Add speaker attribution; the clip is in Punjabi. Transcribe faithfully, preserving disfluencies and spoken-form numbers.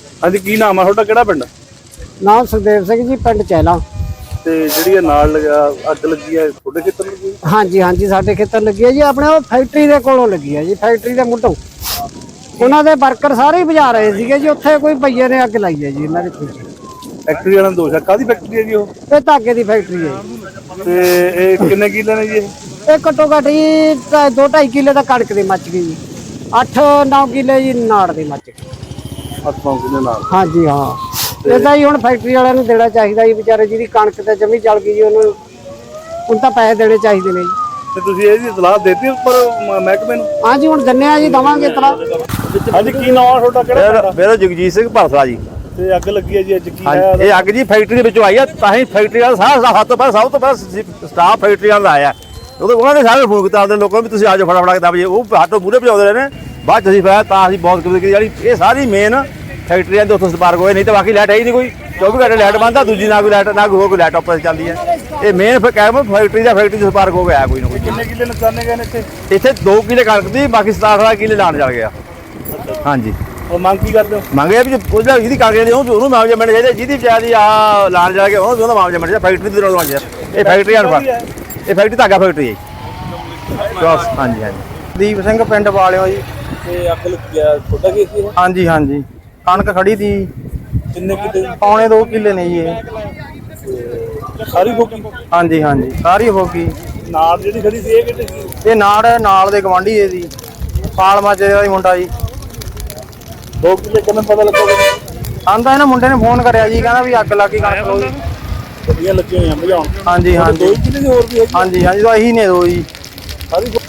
Speaker 1: ਹਾਂਜੀ, ਕੀ ਨਾਮ ਆ ਤੁਹਾਡਾ, ਕਿਹੜਾ ਪਿੰਡ?
Speaker 2: ਨਾਮ ਸੁਖਦੇਵ ਸਿੰਘ ਜੀ, ਪਿੰਡ ਚੈਲਾ।
Speaker 1: ਤੇ ਜਿਹੜੀ ਇਹ ਨਾਲ ਲਗਾ ਅੱਗ ਲੱਗੀ ਹੈ ਤੁਹਾਡੇ ਖੇਤਰ ਲੱਗੀ?
Speaker 2: ਹਾਂਜੀ ਹਾਂਜੀ, ਸਾਡੇ ਖੇਤਰ ਲੱਗੀ ਹੈ ਜੀ, ਆਪਣੇ ਉਹ ਫੈਕਟਰੀ ਦੇ ਕੋਲੋਂ ਲੱਗੀ ਹੈ ਜੀ, ਫੈਕਟਰੀ ਦੇ ਮੁੱਢੋਂ। ਉਹਨਾਂ ਦੇ ਵਰਕਰ ਸਾਰੇ ਹੀ ਬੁਝਾ ਰਹੇ ਸੀਗੇ ਜੀ, ਉੱਥੇ ਕੋਈ ਭਈਏ ਨੇ ਅੱਗ ਲਾਈ ਹੈ ਜੀ ਇਹਨਾਂ ਦੇ ਪਿੱਛੇ।
Speaker 1: ਫੈਕਟਰੀ ਵਾਲਾ ਦੋਸ਼ ਹੈ, ਕਾਹਦੀ ਫੈਕਟਰੀ ਹੈ ਜੀ ਉਹ?
Speaker 2: ਇਹ ਧਾਗੇ ਦੀ ਫੈਕਟਰੀ ਹੈ ਜੀ।
Speaker 1: ਤੇ ਇਹ ਕਿੰਨੇ ਕਿੱਲੇ ਨੇ ਜੀ ਇਹ?
Speaker 2: ਇਹ ਘੱਟੋ ਘੱਟ ਜੀ ਦੋ ਢਾਈ ਕਿੱਲੇ ਦਾ ਕਣਕ ਦੀ ਮੱਚ ਗਈ ਜੀ, ਅੱਠ ਨੌ ਕਿੱਲੇ ਜੀ ਨਾੜ ਦੀ ਮੱਚ ਗਈ।
Speaker 1: ਅੱਠ ਨੌ ਕਿੱਲੇ ਨਾਲ?
Speaker 2: ਹਾਂਜੀ ਹਾਂ, ਇਹਦਾ ਹੀ ਹੁਣ ਫੈਕਟਰੀ ਵਾਲਿਆਂ ਨੂੰ ਦੇਣਾ ਚਾਹੀਦਾ ਜੀ, ਵਿਚਾਰੇ ਜਿਹਦੀ ਕਣਕ ਤੇ ਜਮੀ ਜਲ ਗਈ ਜੀ, ਉਹਨੂੰ ਹੁਣ ਤਾਂ ਪੈਸੇ ਦੇਣੇ ਚਾਹੀਦੇ ਨੇ ਜੀ।
Speaker 1: ਤੇ ਤੁਸੀਂ ਇਹਦੀ ਇਤਲਾਹ ਦੇਤੀ ਉੱਪਰ ਮਹਿਕਮੇ ਨੂੰ?
Speaker 2: ਹਾਂਜੀ, ਹੁਣ ਦਿੰਨੇ ਆ ਜੀ, ਦਵਾਂਗੇ ਇਤਲਾਹ।
Speaker 1: ਹਾਂਜੀ, ਕੀ ਨਾਮ ਆ ਤੁਹਾਡਾ, ਕਿਹੜਾ?
Speaker 3: ਮੇਰਾ ਜਗਜੀਤ ਸਿੰਘ ਭਰਸਾ ਜੀ।
Speaker 1: ਤੇ ਅੱਗ ਲੱਗੀ ਹੈ ਜੀ ਅੱਜ, ਕੀ ਹੈ?
Speaker 3: ਇਹ ਅੱਗ ਜੀ ਫੈਕਟਰੀ ਦੇ ਵਿੱਚੋਂ ਆਈ ਆ, ਤਾਂ ਹੀ ਫੈਕਟਰੀ ਵਾਲਾ ਸਾਰਾ ਹੱਥ ਤੋਂ ਪਹਿਲਾਂ ਸਭ ਤੋਂ ਪਹਿਲਾਂ ਸਟਾਫ ਫੈਕਟਰੀ ਵਾਲਾ ਆਇਆ। ਉਦੋਂ ਉਹਨਾਂ ਨੇ ਸਾਰੇ ਫੋਨ ਕੀਤਾ ਆਪਣੇ ਲੋਕਾਂ ਨੂੰ ਵੀ ਤੁਸੀਂ ਆ ਜਾਓ ਫਟਾਫਟ ਦਸ ਵਜੇ। ਉਹ ਹੱਥੋਂ ਮੂਹਰੇ ਭਜਾਉਂਦੇ ਰਹੇ ਨੇ, ਬਾਅਦ ਚ ਅਸੀਂ ਫਿਰ ਤਾਂ ਅਸੀਂ ਬਹੁਤ ਕਿਤੇ ਜਿਹੜੀ ਇਹ ਸਾਰੀ ਮੇਨ ਫੈਕਟਰੀਆਂ ਦੇ ਉੱਥੋਂ ਸਪਾਰਕ ਹੋਏ, ਨਹੀਂ ਤਾਂ ਬਾਕੀ ਲਾਈਟ ਹੈ ਹੀ ਨਹੀਂ ਕੋਈ। ਚੌਵੀ ਘੰਟੇ ਲਾਈਟ ਬੰਦ ਆ, ਦੂਜੀ ਨਾ ਕੋਈ ਲਾਈਟ ਨਾ ਕੋਈ ਹੋਰ ਕੋਈ ਲਾਈਟ ਆਪਰੇਟ ਚੱਲਦੀ ਹੈ। ਇਹ ਮੇਨ ਫਿਰ ਕਹਿ ਫੈਕਟਰੀ ਦਾ ਫੈਕਟਰੀ ਤੋਂ ਸਪਾਰਕ ਹੋ ਗਿਆ ਕੋਈ ਨਾ ਕੋਈ।
Speaker 1: ਕਿੰਨੇ ਕਿੱਲੇ ਨੁਕਸਾਨੇ ਗਏ ਨੇ ਇੱਥੇ?
Speaker 3: ਇੱਥੇ ਦੋ ਕਿੱਲੇ ਕਣਕ ਦੀ, ਬਾਕੀ ਸਤਾਰਾਂ ਅਠਾਰਾਂ ਕਿੱਲੇ ਲਾਣ ਚੱਲ ਗਿਆ। ਹਾਂਜੀ,
Speaker 1: ਉਹ ਮੰਗ ਕੀ ਕਰਦੇ ਹੋ?
Speaker 3: ਮੰਗਿਆ ਵੀ ਉਹਦਾ ਜਿਹਦੀ ਕਾਗਜ਼ ਲਈ ਉਹਨੂੰ ਮੁਆਵਜ਼ਾ ਮਿਲਣਾ ਚਾਹੀਦਾ, ਜਿਹਦੀ ਵਿਚਾਰੀ ਆ ਲਾਣ ਜਾ ਕੇ ਉਹਨੂੰ ਉਹਦਾ ਮੁਆਵਜ਼ਾ ਮਿਲਣਾ ਚਾਹੀਦਾ। ਫੈਕਟਰੀ ਦੀ ਰੋਲ ਮੰਗਿਆ ਇਹ ਫੈਕਟਰੀ ਅਨਫਰ, ਇਹ ਫੈਕਟਰੀ ਧਾਗਾ ਫੈਕਟਰੀ ਹੈ ਜੀ। ਹਾਂਜੀ ਹਾਂਜੀ,
Speaker 4: ਦੀਪ ਸਿੰਘ ਪਿੰਡ ਵਾਲਿਓ ਜੀ।
Speaker 1: ਤੇ ਅੱਗ ਲੱਗੀ ਆ, ਤੁਹਾਡਾ ਕੀ ਸੀ?
Speaker 4: ਹਾਂਜੀ ਹਾਂਜੀ, ਕਣਕ ਖੜੀ ਤੀ।
Speaker 1: ਕਿੰਨੇ ਕਿੱਲੇ?
Speaker 4: ਪੌਣੇ ਦੋ ਕਿੱਲੇ ਨੇ ਜੀ ਇਹ।
Speaker 1: ਸਾਰੀ ਫੋਕੀ?
Speaker 4: ਹਾਂਜੀ ਹਾਂਜੀ, ਸਾਰੀ ਹੋ ਗਈ।
Speaker 1: ਨਾਲ ਜਿਹੜੀ ਖੜੀ ਸੀ ਇਹ ਕਿੱਥੇ ਸੀ?
Speaker 4: ਇਹ ਨਾੜ ਨਾਲ ਦੇ ਗਵਾਂਢੀ ਹੈ ਜੀ, ਪਾਲ ਮਾਜਰੇ ਦਾ ਹੀ ਮੁੰਡਾ ਜੀ।
Speaker 1: ਦੋ ਕਿੱਲੇ ਕਿੰਨੇ ਪਤਾ ਲੱਗੋਗੇ?
Speaker 4: ਆਂਦਾ ਇਹਨਾਂ ਮੁੰਡੇ ਨੇ ਫੋਨ ਕਰਿਆ ਜੀ, ਕਹਿੰਦਾ ਵੀ ਅੱਗ ਲੱਗੀ ਕਣਕ ਨੂੰ।
Speaker 1: ਗੱਡੀਆਂ ਲੱਗੀਆਂ ਹੋਈਆਂ ਭਜਾਉਣ।
Speaker 4: ਹਾਂਜੀ ਹਾਂਜੀ
Speaker 1: ਦੋ ਕਿੱਲੇ ਦੀ ਹੋਰ ਵੀ ਹੈਗੀ?
Speaker 4: ਹਾਂਜੀ ਹਾਂਜੀ, ਤਾਂ ਇਹੀ ਨੇ ਦੋ ਜੀ।
Speaker 1: ਸਾਰੀ